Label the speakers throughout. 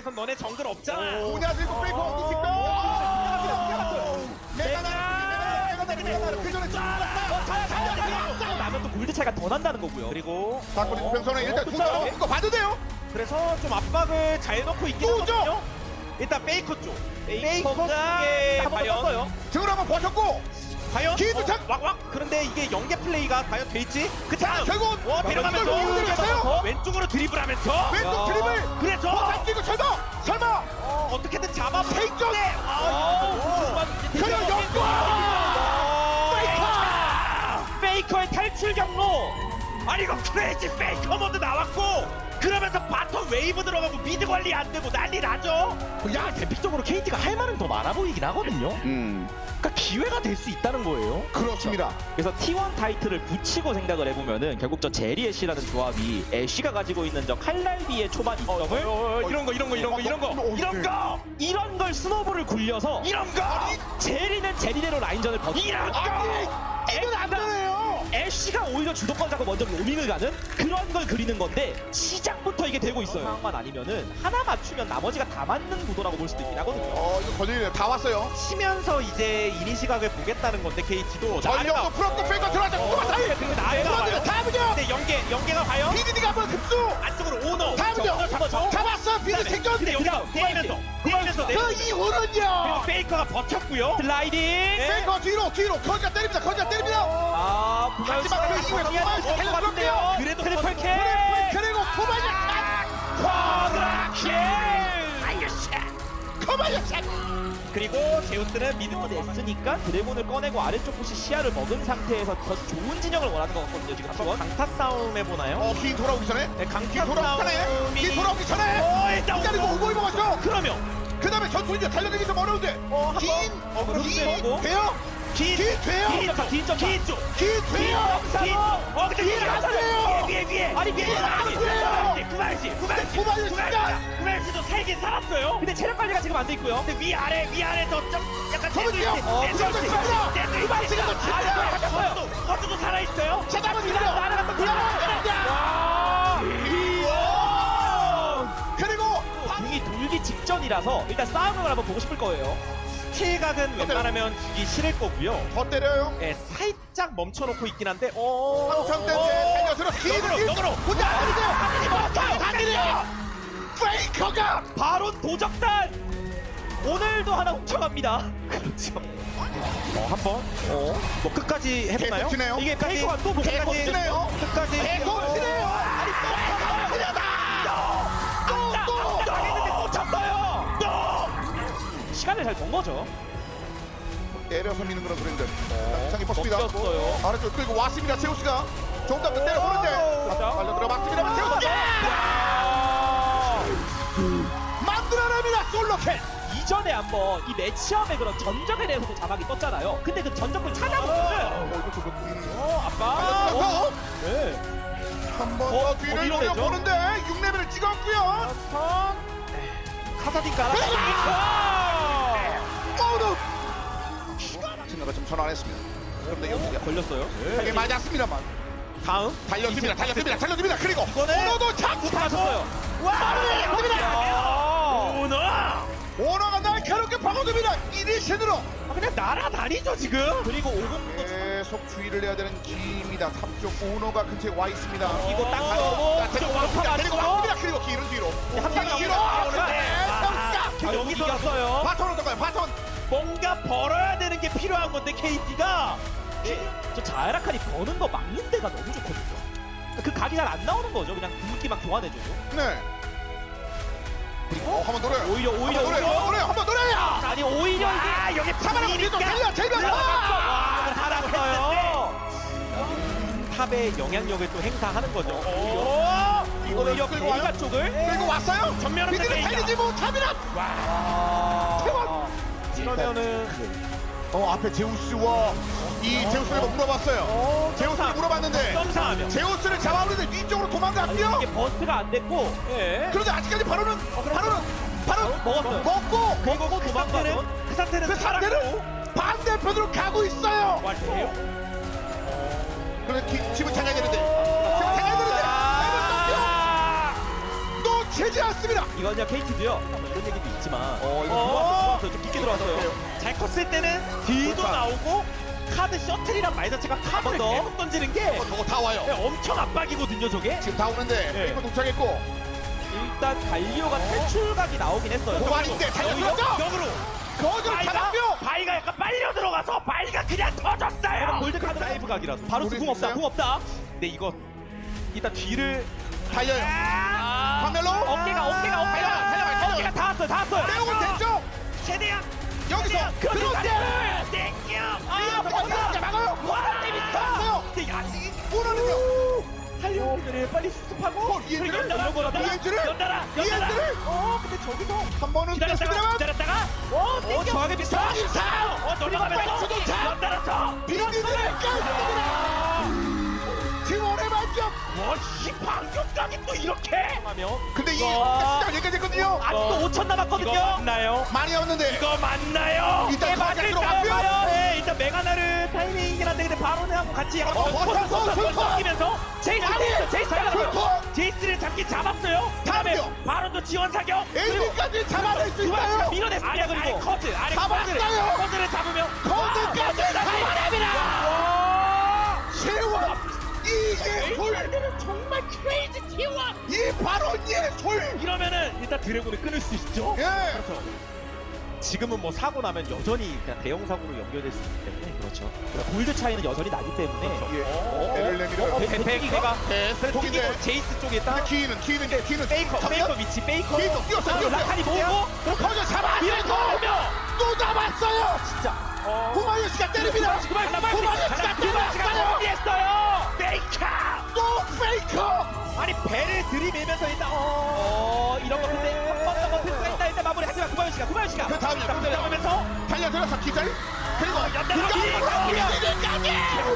Speaker 1: 입장에선 너네 정글 없잖아.
Speaker 2: 오냐 들고 페이커 어디 그 전에
Speaker 3: 나면 또 골드 차이가 더 난다는 거고요.
Speaker 1: 그리고
Speaker 2: 사건이 구평선에 일단 두자 이거 봐도 돼요.
Speaker 1: 그래서 좀 압박을 잘 넣고 있긴
Speaker 2: 또죠?
Speaker 1: 하거든요. 일단 페이커 쪽.
Speaker 3: 페이커가
Speaker 1: 페이커의
Speaker 3: 한번
Speaker 1: 과연
Speaker 3: 떴어요.
Speaker 2: 등을 한번 버텼고
Speaker 1: 과연
Speaker 2: 기회도 참-
Speaker 1: 왁왁. 그런데 이게 연계 플레이가 과연 될지. 그 다음
Speaker 2: 결국
Speaker 1: 데려가면서
Speaker 2: 이걸 들어갔어요.
Speaker 1: 왼쪽으로 드리블하면서
Speaker 2: 왼쪽 드리블
Speaker 1: 그래서
Speaker 2: 잡히고 설마
Speaker 1: 어떻게든 잡아
Speaker 2: 페이커 그냥
Speaker 3: 페이커의 탈출 경로.
Speaker 1: 아니 이거 크레이지 페이커 모드 나왔고 그러면서 바텀 웨이브 들어가고 미드 관리 안 되고 난리 나죠.
Speaker 3: 야, 대픽적으로 KT가 할 말은 더 많아 보이긴 하거든요. 그러니까 기회가 될 수 있다는 거예요.
Speaker 2: 그렇습니다.
Speaker 3: 그래서 T1 타이틀을 붙이고 생각을 해보면은 결국 저 제리 애쉬라는 조합이 애쉬가 가지고 있는 저 칼날비의 초반 이점을
Speaker 1: 이런 거
Speaker 3: 이런 걸 스노볼을 굴려서
Speaker 1: 이런 거
Speaker 3: 제리는 제리대로 라인전을 버티고
Speaker 1: 이런 거
Speaker 2: 이건 안 되네요.
Speaker 3: 애쉬가 오히려 주도권 잡고 먼저 로밍을 가는 그런 걸 그리는 건데 시작부터 이게 되고 있어요. 상황만 아니면은 하나 맞추면 나머지가 다 맞는 구도라고 볼 수도 있긴 하거든요.
Speaker 2: 이거 거슬리네. 다 왔어요.
Speaker 1: 치면서 이제 이니 시각을 보겠다는 건데 KT도
Speaker 2: 전력도 풀었고 페이커 들어왔다. 누가 다 해.
Speaker 1: 그리고 나해가 와요.
Speaker 2: 다음은요.
Speaker 1: 근데 연계가 과연
Speaker 2: BDD가 한번 급수.
Speaker 1: 안쪽으로 오너
Speaker 2: 다음은요. 잡았어. BD 생존.
Speaker 1: 근데 여기서 내리면서
Speaker 2: 그
Speaker 1: 그리고
Speaker 2: 이후는요.
Speaker 1: 페이커가 버텼고요.
Speaker 3: 슬라이딩.
Speaker 2: 페이커 뒤로 거기가 때립니다.
Speaker 3: 아,
Speaker 2: 하지만 그 이후에
Speaker 3: 미안해.
Speaker 2: 구마에서
Speaker 3: 것 같은데요.
Speaker 1: 그래도
Speaker 3: 트리플 캐.
Speaker 2: 그리고 코바야시.
Speaker 1: 그리고 제우스는 미드 쪽
Speaker 3: 냈으니까 드래곤을 꺼내고 아래쪽 곳이 시야를 먹은 상태에서 더 좋은 진영을 원하는 것 같거든요. 지금
Speaker 1: 한번 강타 싸움 해보나요?
Speaker 2: 긴 돌아오기 전에.
Speaker 1: 네,
Speaker 2: 긴
Speaker 1: 강타
Speaker 2: 돌아오기 전에.
Speaker 1: 싸움이
Speaker 2: 긴 돌아오기 전에.
Speaker 1: 일단
Speaker 2: 기다리고 오고 먹었죠.
Speaker 1: 그러면
Speaker 2: 그 다음에 전투인지 달려들기 좀 어려운데.
Speaker 1: 그럼
Speaker 2: 긴
Speaker 1: 되고.
Speaker 2: 돼요?
Speaker 1: 긴
Speaker 2: 돼요?
Speaker 1: 긴 돼요.
Speaker 2: 긴 돼요?
Speaker 1: 근데
Speaker 2: 긴 안 돼요.
Speaker 1: 위에
Speaker 3: 아니, 위에 안
Speaker 2: 돼요.
Speaker 1: 구발시도 살긴 살았어요.
Speaker 3: 근데 체력 관리가 지금 안 돼 있고요.
Speaker 1: 근데 위아래에서 좀 약간
Speaker 2: 저는요. 그래서 습니다. 구발시가 더 잘해요.
Speaker 1: 허드도 살아있어요.
Speaker 2: 제답은 이래요.
Speaker 3: 날아갔어.
Speaker 2: 그리고
Speaker 3: 공이 돌기 직전이라서 일단 싸움을 한번 보고 싶을 거예요.
Speaker 1: 스틸각은 웬만하면 주기 싫을 거고요.
Speaker 2: 더 때려요.
Speaker 1: 네, 살짝 멈춰놓고 있긴 한데
Speaker 2: 한참대인데 달려들어.
Speaker 1: 너그로
Speaker 2: 혼자 아니세요. 당기네요. 페이커가
Speaker 3: 바로 도적단! 오늘도 하나 훔쳐갑니다.
Speaker 1: 그렇죠. 한번 뭐 끝까지 해보나요?
Speaker 2: 계속 치네요.
Speaker 3: 이게 페이커가 또
Speaker 2: 계속
Speaker 3: 끝까지
Speaker 2: 치네요.
Speaker 1: 끝까지
Speaker 2: 계속 치네요.
Speaker 3: 아니 또 했는데 또 쳤어요. 또 시간을 잘 번 거죠.
Speaker 2: 때려서 미는 그런 그림들. 이상이 뻗습니다.
Speaker 3: 꺾였어요.
Speaker 2: 아래쪽 끌고 왔습니다. 제우스가 조금 더 때려보는데 달려 들어봤습니다만 제우스 만들어냅니다. 솔로캔.
Speaker 3: 이전에 한번 이 매치업의 그런 전적에 대해서도 자막이 떴잖아요. 근데 그 전적을 찾아보면은 아빠.
Speaker 2: 달려들어서
Speaker 3: 네.
Speaker 2: 한번 더 뒤를
Speaker 3: 밀어내죠?
Speaker 2: 노려보는데 6레벨을 찍었고요.
Speaker 1: 카사딘 깔아.
Speaker 2: 오늘 생각을 좀 전환했습니다. 그런데 여기가
Speaker 3: 걸렸어요.
Speaker 2: 되게 맞았습니다만
Speaker 1: 다음
Speaker 2: 달려듭니다. 그리고
Speaker 1: 이거는
Speaker 2: 오너도 잡고
Speaker 3: 맞았어요.
Speaker 2: 오너가 날카롭게 파고듭니다. 1일신으로
Speaker 1: 그냥 날아다니죠 지금.
Speaker 3: 그리고 50도
Speaker 2: 계속 주의를 해야 되는 기입니다. 탑쪽 오너가 근처에 와 있습니다.
Speaker 1: 이거 딱
Speaker 2: 데리고 왔습니다. 그리고 길은 뒤로.
Speaker 3: 한방
Speaker 2: 뒤로.
Speaker 1: 여기 이겼어요.
Speaker 2: 바톤 어떨까요? 바톤.
Speaker 1: 뭔가 벌어야 되는 게 필요한 건데 KT가
Speaker 3: 저 자에라칸이 버는 거 막는 데가 너무 좋거든요. 그 각이 잘 안 나오는 거죠. 그냥 궁극기만 교환해줘요.
Speaker 2: 네. 그리고 한번 노려요.
Speaker 3: 오히려
Speaker 2: 한번 노려요.
Speaker 3: 아니 오히려 이게
Speaker 1: 여기
Speaker 2: 잡아라. 우리도 달려.
Speaker 1: 살았어요. 탑의 영향력을 또 행사하는 거죠.
Speaker 3: 오히려
Speaker 2: 끌고 와요?
Speaker 3: 베이가 쪽을
Speaker 2: 그리고 왔어요.
Speaker 1: 전면으로
Speaker 2: 미드를
Speaker 1: 베이가.
Speaker 2: 달리지 못합니다.
Speaker 3: 이러면은
Speaker 2: 앞에 제우스와 이 제우스를 물어봤어요. 제우스를 물어봤는데
Speaker 1: 점사하면
Speaker 2: 제우스를 잡아오는데 위쪽으로 도망갔고요.
Speaker 3: 이게 버스트가 안 됐고
Speaker 2: 그런데 아직까지 바로는
Speaker 3: 먹었어요.
Speaker 2: 먹고
Speaker 1: 그 상태는
Speaker 2: 그 상태는 반대편으로 가고 있어요. 그런데 집을 찾아야 되는데 집을 찾아야 되는데 채지 않습니다.
Speaker 3: 이거냐 KT도요. 이런 얘기도 있지만 이거 들어왔어요. 좀 깊게 들어왔어요.
Speaker 1: 잘 컸을 때는 뒤도
Speaker 2: 그렇다.
Speaker 1: 나오고 카드 셔틀이란 말 자체가 카드를
Speaker 3: 더.
Speaker 1: 계속 던지는 게
Speaker 2: 저거 다 와요.
Speaker 1: 엄청 압박이거든요 저게.
Speaker 2: 지금 다 오는데
Speaker 1: 네.
Speaker 2: 페이커 도착했고
Speaker 3: 일단 갈리오가 탈출각이 나오긴 했어요.
Speaker 2: 도발인데 달려들었죠.
Speaker 1: 역으로
Speaker 2: 거절
Speaker 1: 바이가
Speaker 2: 잡았고요.
Speaker 1: 바이가 약간 빨려 들어가서 바이가 그냥 터졌어요.
Speaker 3: 골드 카드 라이브 각이라서 바로
Speaker 2: 우리
Speaker 3: 궁 없다.
Speaker 2: 있어요?
Speaker 3: 궁 없다. 근데 이거 일단 뒤를
Speaker 2: 달려요. 카멜로
Speaker 3: 어깨가 다 왔어요. 다 왔어요.
Speaker 2: 내용은 됐죠.
Speaker 1: 최대한
Speaker 2: 여기서 그런데
Speaker 1: 땡겨.
Speaker 2: 막아요.
Speaker 1: 와
Speaker 2: 됐어요.
Speaker 1: 근데 아직
Speaker 2: 오너는요.
Speaker 3: 탈리오들을 빨리 수습하고
Speaker 2: 이엔드를
Speaker 1: 연달아
Speaker 2: 이엔드를
Speaker 3: 근데 저기서
Speaker 2: 한 번은
Speaker 1: 기다렸다가
Speaker 2: 됐습니다만
Speaker 3: 저하게 비슷한
Speaker 1: 돌아가면서 연달아서
Speaker 2: 비디들을 깠습니다. 팀원의 반격.
Speaker 1: 와이 반격각이 또 이렇게
Speaker 3: 하면
Speaker 2: 근데 이
Speaker 3: 와.
Speaker 2: 시작 여기까지 했거든요.
Speaker 3: 아직도 5천 남았거든요.
Speaker 1: 이거 맞나요?
Speaker 2: 많이 왔는데
Speaker 1: 이거 맞나요?
Speaker 2: 일단 가장 들어갔고요.
Speaker 1: 네, 일단 메가나르 타이밍이긴 한데 근데 바로는 하고 같이 약간
Speaker 2: 버텨서
Speaker 1: 끼면서
Speaker 2: 풀컷!
Speaker 1: 제이스를 잡긴 잡았어요. 다음에
Speaker 2: 잡죠.
Speaker 1: 바로도 지원 사격.
Speaker 2: 에이미까지 잡아낼 수
Speaker 3: 두바시가
Speaker 2: 있나요?
Speaker 3: 밀어냈습니다.
Speaker 1: 아래
Speaker 3: 그리고
Speaker 1: 커즈 아래
Speaker 2: 잡았어요.
Speaker 1: 커즈를 잡으면
Speaker 2: 커즈까지
Speaker 1: 잡아냅니다.
Speaker 2: 세월 이게 돌.
Speaker 1: 메가나르는 정말 크레이지 T1.
Speaker 2: 이 바로 예솔.
Speaker 1: 이러면은 일단 드래곤을 끊을 수 있죠.
Speaker 2: 예.
Speaker 3: 지금은 뭐 사고 나면 여전히 그냥 대형 사고로 연결될 수 있기 때문에 그렇죠. 그러니까 골드 차이는 여전히 나기 때문에
Speaker 2: 예. 배를 내밀어요.
Speaker 3: 백배가
Speaker 2: 독인데
Speaker 3: 제이스 쪽에 있다.
Speaker 2: 키는
Speaker 3: 페이커
Speaker 2: 정면?
Speaker 3: 위치 페이커.
Speaker 2: 페이커 뛰었어요.
Speaker 3: 라칸이 모으고
Speaker 2: 커져 잡아내고 또 잡았어요.
Speaker 3: 진짜.
Speaker 2: 후마요시가 때립니다. 후마요시가 때렸어요.
Speaker 1: 했어요. 페이커.
Speaker 2: 또 페이커.
Speaker 3: 아니 배를 들이밀면서 일단 이런 거 근데 한 번 더 버틸 수가 있다 일단 마무리 하지만 구마요시가
Speaker 2: 그 다음에
Speaker 1: 잡으면서
Speaker 2: 달려들어서 기절. 그리고
Speaker 1: 연달아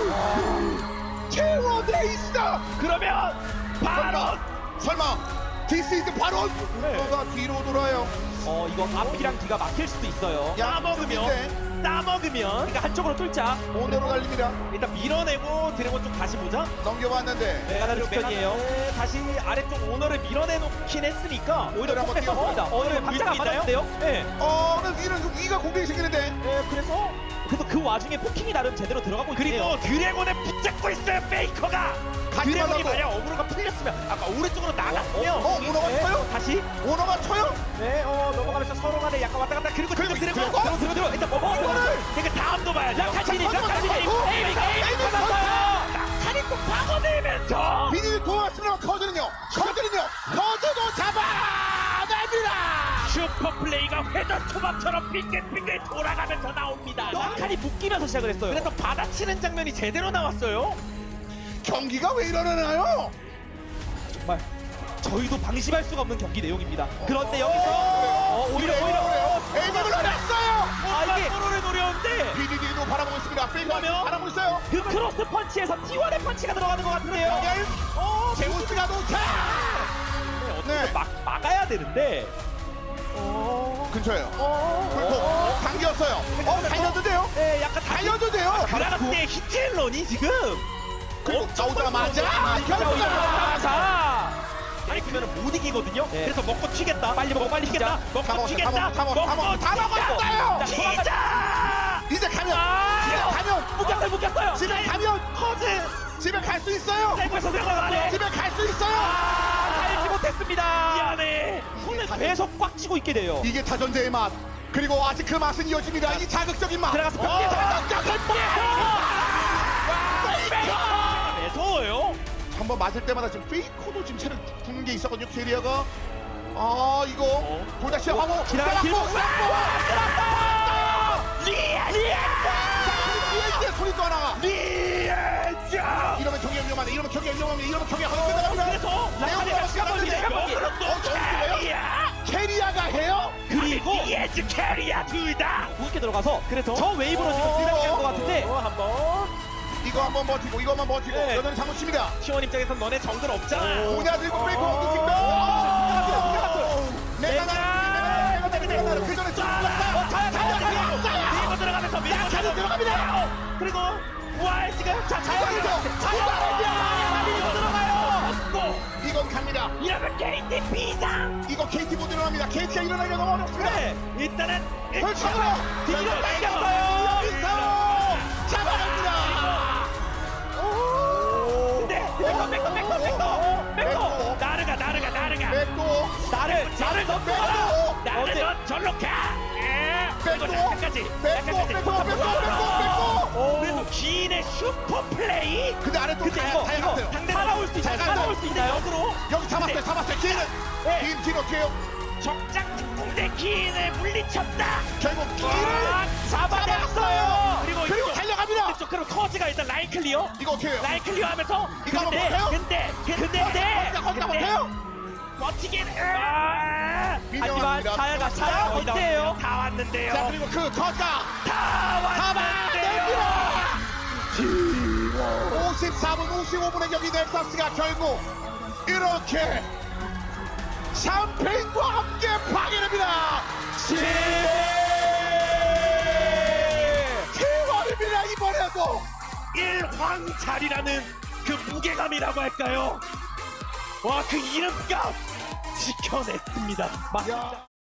Speaker 2: 채워돼 있어.
Speaker 1: 그러면 바로
Speaker 2: 설마 디스 이즈 바로 뭐가 뒤로 돌아요.
Speaker 3: 이거 앞이랑 뒤가 막힐 수도 있어요.
Speaker 1: 싸먹으면
Speaker 3: 그러니까 한쪽으로 뚫자.
Speaker 2: 오너로 달립니다.
Speaker 1: 일단 밀어내고 드래곤 좀 다시 보자.
Speaker 2: 넘겨봤는데
Speaker 3: 메가나르 스턴이에요.
Speaker 1: 메가나르 다시 아래쪽 오너를 밀어내놓긴 했으니까
Speaker 3: 오히려
Speaker 2: 한번
Speaker 3: 폭패 썼습니다.
Speaker 1: 오히려
Speaker 3: 박자가
Speaker 1: 물고 있나요?
Speaker 3: 맞았는데요. 네.
Speaker 2: 오늘 위가 공격이 생기는데
Speaker 3: 그래서 그 와중에 포킹이 나름 제대로 들어가고 있네요.
Speaker 1: 그리고 드래곤을 붙잡고 있어요 페이커가. 드래곤이
Speaker 2: 말라고.
Speaker 1: 만약 어그로가 풀렸으면 아까 오른쪽으로 나갔으면
Speaker 2: 오너가 쳐요?
Speaker 1: 다시
Speaker 2: 오너가 쳐요?
Speaker 1: 네 넘어가면서 서로 간에 약간 왔다 갔다 그리고 지금 드래곤 들어 일단
Speaker 2: 이거를!
Speaker 1: 그러니까 다음도 봐야죠.
Speaker 3: 낙하진이
Speaker 1: 에이미가 받았어요. 낙하니 또 파고들면서
Speaker 2: 비닐 도왔으면 커즈는요 커즈도 잡아냅니다.
Speaker 1: 슈퍼 플레이가 회전 초밥처럼 빙글빙글 돌아가면서 나옵니다.
Speaker 3: 낙하니 묶이면서 시작을 했어요.
Speaker 1: 그래서 받아치는 장면이 제대로 나왔어요.
Speaker 2: 경기가 왜 이러나요?
Speaker 3: 정말 저희도 방심할 수가 없는 경기 내용입니다. 그런데 여기서 오히려
Speaker 2: 에이밍을 노렸어요.
Speaker 3: 이게
Speaker 1: 서로를 노렸는데
Speaker 2: BDD도 바라보고 있습니다. 페이커
Speaker 1: 그러면?
Speaker 2: 바라보고 있어요.
Speaker 3: 그 크로스 펀치에서 T1의 펀치가 들어가는 것 같은데요.
Speaker 2: 연결 제우스가 도착. 네
Speaker 1: 막아야 되는데
Speaker 2: 근처에요. 불포 당겼어요. 달렸는데요.
Speaker 3: 네, 약간
Speaker 2: 달렸는데요.
Speaker 1: 그라가스의 히트앤런이 지금
Speaker 2: 그리고 나오자마자 경기가
Speaker 3: 자,
Speaker 1: 아니 그러면 못 이기거든요.
Speaker 3: 네.
Speaker 1: 그래서 먹고 튀겠다. 빨리 먹어 빨리 튀겠다. 먹고 튀겠다.
Speaker 2: 다 먹었어요.
Speaker 1: 튀자.
Speaker 2: 이제 가면
Speaker 3: 묶였어요.
Speaker 2: 집에 가면
Speaker 1: 커즈
Speaker 2: 집에 갈 수 있어요.
Speaker 1: 땡겨서 들어가네.
Speaker 2: 집에 갈 수 있어요.
Speaker 3: 달지 못했습니다.
Speaker 1: 미안해.
Speaker 3: 손을 계속 꽉 쥐고 있게 돼요.
Speaker 2: 이게 타전제의 맛. 그리고 아직 그 맛은 이어집니다. 이 자극적인 맛.
Speaker 3: 들어가서 벽에
Speaker 2: 자극적인 맛.
Speaker 1: 매서워요.
Speaker 2: 한번 맞을 때마다 지금 페이커도 지금 채를 주는 게 있었거든요. 캐리어가. 이거 도다시 하고
Speaker 3: 지나가 길목
Speaker 2: 이제 소리 또 하나가.
Speaker 1: 리엔자.
Speaker 2: 이러면 경기가 위험하네. 이러면 경기가 위험합니다. 이러면 경기가 끝나갑니다.
Speaker 1: 그래서
Speaker 2: 레오가 캐리아가 해요?
Speaker 1: 그리고 리엔즈 캐리아 둘 다.
Speaker 3: 무겁게 들어가서
Speaker 1: 그래서
Speaker 3: 저 웨이브로 지금 들어가는 것 같은데
Speaker 1: 한번
Speaker 2: 이거 한번 버티고 이거만 버티고
Speaker 1: 네.
Speaker 2: 여전히 사무칩니다.
Speaker 1: T1 입장에선 너네 정글 없잖아.
Speaker 2: 오냐 들고 페이커 엉뚱 내가 그 전에
Speaker 1: 밀고 들어가면서 밀고
Speaker 2: 들어갑니다.
Speaker 1: 그리고 부활 지금 자 밀고 들어가요.
Speaker 2: 이건 갑니다.
Speaker 1: 이러면 KT 비상.
Speaker 2: 이거 KT 못 일어납니다. KT가 일어나기가 너무 어렵습니다.
Speaker 3: 네.
Speaker 1: 일단은
Speaker 2: 펼쳐으로
Speaker 3: 뒤로 당겼어요.
Speaker 2: 여기서 잡아갑니다.
Speaker 1: 근데 백도 나르가
Speaker 2: 백도
Speaker 3: 나를 섞어라.
Speaker 1: 나르는 절로 가.
Speaker 2: 백도
Speaker 1: 약간까지. 그래도 기인의 슈퍼 플레이.
Speaker 2: 근데 아래 또
Speaker 3: 근데
Speaker 2: 다
Speaker 3: 이거
Speaker 2: 갔어요.
Speaker 3: 살아올 수 있나요? 살아올 수 있나요?
Speaker 2: 여기 잡았어요. 기인은
Speaker 1: 네.
Speaker 2: 기인 뒤로 어떻게요?
Speaker 1: 적장 특공대 기인을 물리쳤다.
Speaker 2: 결국 기인을
Speaker 3: 잡아냈어요.
Speaker 1: 그리고
Speaker 2: 그리고 달려갑니다.
Speaker 1: 쪽 그럼 커즈가 일단 라인 클리어.
Speaker 2: 이거 어떻게 해요?
Speaker 1: 라인 클리어하면서
Speaker 2: 이거 한번 못해요?
Speaker 1: 근데
Speaker 2: 거기다 못해요?
Speaker 1: 버티긴
Speaker 3: 하지만 차야가 어때요?
Speaker 1: 다 왔는데요.
Speaker 2: 자 그리고 그 거가
Speaker 1: 다 왔는데요.
Speaker 2: 54분 55분의 경기 넥서스가 결국 이렇게 샴페인과 함께 파괴됩니다. 대박입니다 이번에도.
Speaker 1: 일황잘이라는 그 무게감이라고 할까요? 와 그 이름값 지켜냈습니다.
Speaker 2: 야.